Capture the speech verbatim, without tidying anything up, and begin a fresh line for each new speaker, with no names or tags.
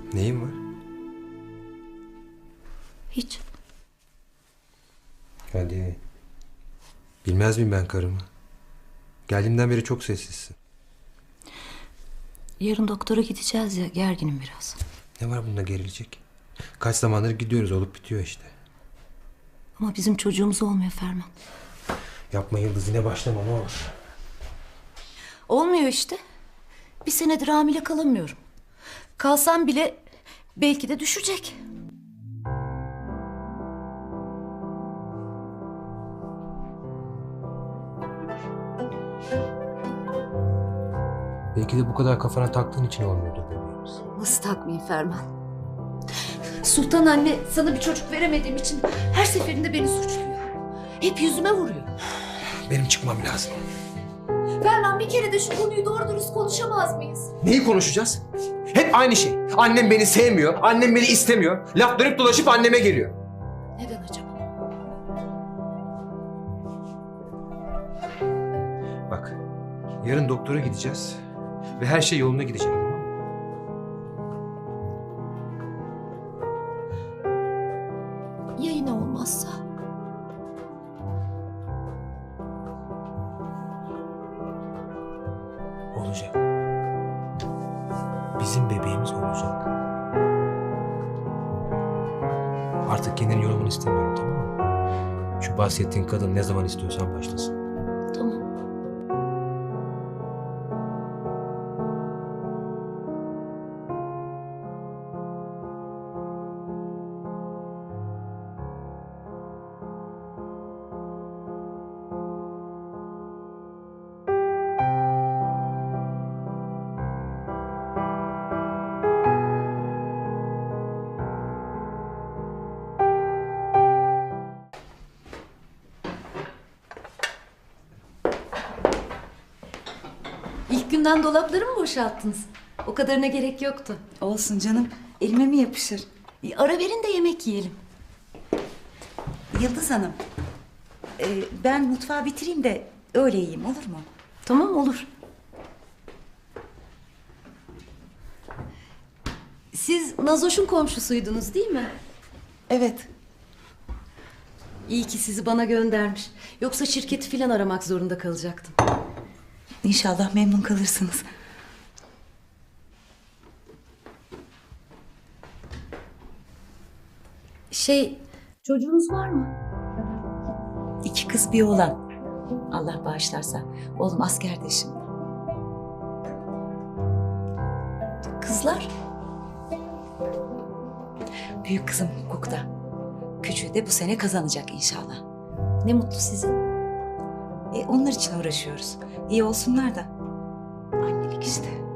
Neyin var?
Hiç.
Hadi. Bilmez miyim ben karımı? Geldiğimden beri çok sessizsin.
Yarın doktora gideceğiz ya, gerginim biraz.
Ne var bunda gerilecek? Kaç zamandır gidiyoruz, olup bitiyor işte.
Ama bizim çocuğumuz olmuyor Ferman.
Yapma Yıldız, yine başlama ne olur.
Olmuyor işte. Bir senedir hamile kalamıyorum. Kalsam bile belki de düşecek.
Belki de bu kadar kafana taktığın için olmuyordur bebeğimiz.
Nasıl takmayayım Ferman? Sultan anne sana bir çocuk veremediğim için her seferinde beni suçluyor. Hep yüzüme vuruyor.
Benim çıkmam lazım.
Ferman bir kere de şu konuyu doğru dürüst konuşamaz mıyız?
Neyi konuşacağız? Hep aynı şey. Annem beni sevmiyor, annem beni istemiyor. Laf dönüp dolaşıp anneme geliyor.
Neden acaba?
Bak, yarın doktora gideceğiz ve her şey yoluna gidecek, tamam mı?
Ya yine olmazsa?
Olacak. Bizim bebeğimiz olacak. Artık kendini yorulmanı istemiyorum, tamam mı? Şu bahsettiğin kadın ne zaman istiyorsan başlasın.
Tamam. İlk günden dolapları mı boşalttınız? O kadarına gerek yoktu.
Olsun canım. Elime mi yapışır?
E, ara verin de yemek yiyelim.
Yıldız Hanım. e, ben mutfağı bitireyim de öyle yiyeyim, olur mu?
Tamam, olur. Siz Nazoş'un komşusuydunuz değil mi?
Evet.
İyi ki sizi bana göndermiş. Yoksa şirketi filan aramak zorunda kalacaktım.
İnşallah memnun kalırsınız.
Şey, çocuğunuz var mı?
İki kız bir oğlan. Allah bağışlarsa. Oğlum askerde şimdi.
Kızlar?
Büyük kızım hukukta. Küçüğü de bu sene kazanacak inşallah.
Ne mutlu size.
E, onlar için uğraşıyoruz. İyi olsunlar da. Annelik işte.